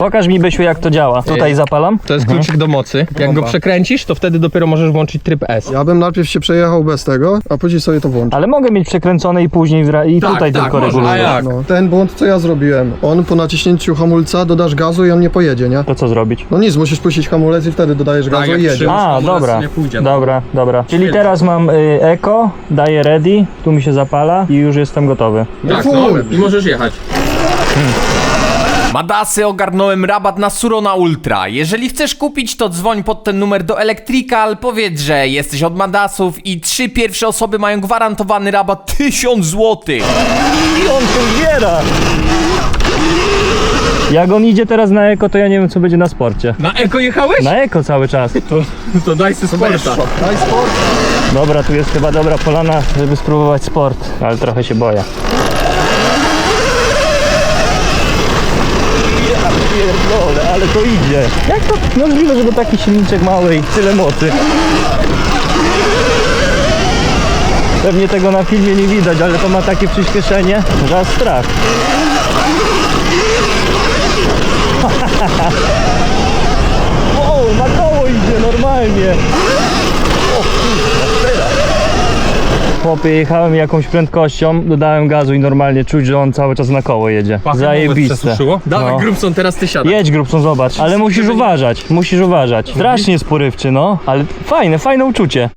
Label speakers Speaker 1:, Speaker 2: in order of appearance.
Speaker 1: Pokaż mi, Bysiu, jak to działa. Tutaj zapalam.
Speaker 2: To jest kluczyk do mocy. Jak go przekręcisz, to wtedy dopiero możesz włączyć tryb S.
Speaker 3: Ja bym najpierw się przejechał bez tego, a później sobie to włączył.
Speaker 1: Ale mogę mieć przekręcone i później tutaj tylko
Speaker 2: można.
Speaker 1: reguluję.
Speaker 2: A jak?
Speaker 3: No, ten błąd, co ja zrobiłem, on po naciśnięciu hamulca dodasz gazu i on nie pojedzie, nie?
Speaker 1: To co zrobić?
Speaker 3: No nic, musisz puścić hamulec i wtedy dodajesz gazu i jedzie.
Speaker 2: trzymasz
Speaker 1: A,
Speaker 2: hamulec,
Speaker 1: dobra.
Speaker 2: to nie pójdzie, no.
Speaker 1: Dobra. Czyli teraz mam eko, daję ready, tu mi się zapala i już jestem gotowy.
Speaker 2: Tak, no i możesz jechać. Madasy, ogarnąłem rabat na Surona Ultra. Jeżeli chcesz kupić, to dzwoń pod ten numer do Electrical, powiedz, że jesteś od Madasów i 3 pierwsze osoby mają gwarantowany rabat 1000 zł.
Speaker 1: I on się zbiera! Jak on idzie teraz na eko, to ja nie wiem, co będzie na sporcie.
Speaker 2: Na eko jechałeś?
Speaker 1: Na eko cały czas.
Speaker 2: To daj sobie sporta.
Speaker 3: Daj sport.
Speaker 1: Dobra, tu jest chyba dobra polana, żeby spróbować sport, ale trochę się boję. Ja pierdolę, ale to idzie. Jak to możliwe, żeby taki silniczek mały i tyle mocy? Pewnie tego na filmie nie widać, ale to ma takie przyspieszenie, że aż strach. Wow, na koło idzie normalnie. Chłopie, jechałem jakąś prędkością, dodałem gazu i normalnie czuć, że on cały czas na koło jedzie. Zajebiste.
Speaker 2: Dawaj,
Speaker 1: No.
Speaker 2: Grubson, teraz ty siadaj.
Speaker 1: Jedź, Grubson, zobacz. Ale musisz uważać. Strasznie sporywczy, no. Ale fajne uczucie.